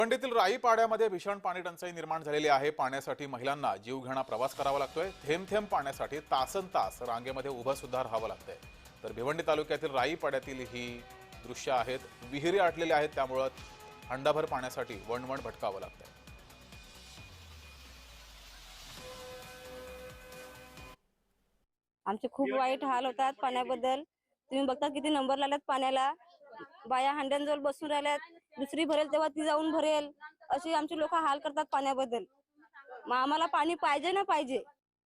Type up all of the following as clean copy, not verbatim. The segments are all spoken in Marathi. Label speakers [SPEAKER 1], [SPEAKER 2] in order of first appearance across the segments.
[SPEAKER 1] भिवंडीतील राई पाड्यामध्ये भीषण पाणी टंचाई निर्माण झालेली आहे। पाण्यासाठी महिलांना जीवघेणा प्रवास करावा लागतोय। थेंब थेंब पाण्यासाठी तासनतास रांगेमध्ये उभं सुद्धा राहावं लागतंय। तर भिवंडी तालुक्यातील राई पाड्यातील ही दृश्य आहेत। विहिरी आटलेल्या आहेत, त्यामुळे हंडाभर पाण्यासाठी वणवण भटकावं लागतंय।
[SPEAKER 2] आमचे खूप वाईट हाल होतात पाण्याबद्दल। तुम्ही बघता किती नंबर लागल्यात पाण्याला। बाया हंड्यांजवळ बसून राहिल्यात, दुसरी भरेल तेव्हा ती जाऊन भरेल, अशी आमची लोक हाल करतात पाण्याबद्दल। मग आम्हाला पाणी पाहिजे ना पाहिजे।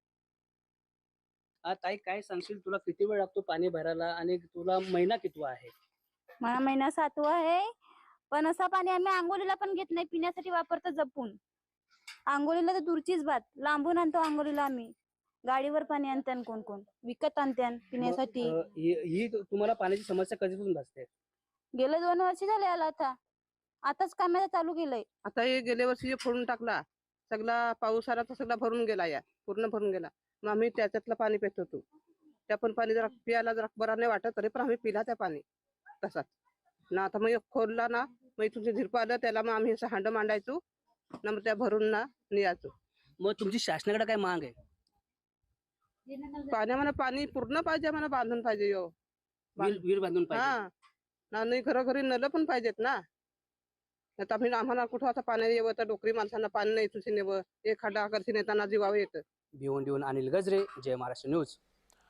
[SPEAKER 3] ताई काय सांगशील, तुला किती वेळ लागतो पाणी भरायला आणि तुला महिना कितवा आहे?
[SPEAKER 4] मला महिना 7वा आहे, पण असं पाणी आम्ही आंघोळीला पण घेत नाही, पिण्यासाठी वापरतो जपून। आंघोळीला तर दूरचीच बात, लांबून आणतो आंघोळीला आम्ही। गाडीवर पाणी आणत्यान, कोण कोण विकत आणत्यान पिण्यासाठी।
[SPEAKER 3] ही तुम्हाला पाण्याची समस्या कधीपासून भासते?
[SPEAKER 4] गेले 2 वर्ष झाले आला आताच कामाला चालू केलंय।
[SPEAKER 5] आता हे गेल्या वर्षी जे फोडून टाकला, सगळा पाऊस आला तर सगळा भरून गेला, या पूर्ण भरून गेला। मग आम्ही त्याच्यातलं पाणी पित होतो। त्या पण पाणी जरा पियाला जरा बरा नाही वाटत, तरी पण आम्ही पिला त्या पाणी तसाच ना। आता मग खोलला ना, मग इथून झिरपं आलं त्याला, मग आम्ही असं हांड मांडायचो ना, मग त्या भरून ना नियायचो।
[SPEAKER 3] मग तुमची शासनाकडे काय माग आहे?
[SPEAKER 5] पाण्यामध्ये पाणी पूर्ण पाहिजे, मला बांधून पाहिजे यो
[SPEAKER 3] विहीर बांधून पाहिजे।
[SPEAKER 5] हा ना, नाही घरोघरी नळ पण पाहिजेत ना। आता आम्ही आम्हाला कुठं आता पाणी येवं तर डोकरी माणसांना पाणी नाही तुझी नेवं, एक खड्डा करशी नेताना जीवावं येतं।
[SPEAKER 3] भिवंडीहून अनिल गजरे, जय महाराष्ट्र न्यूज।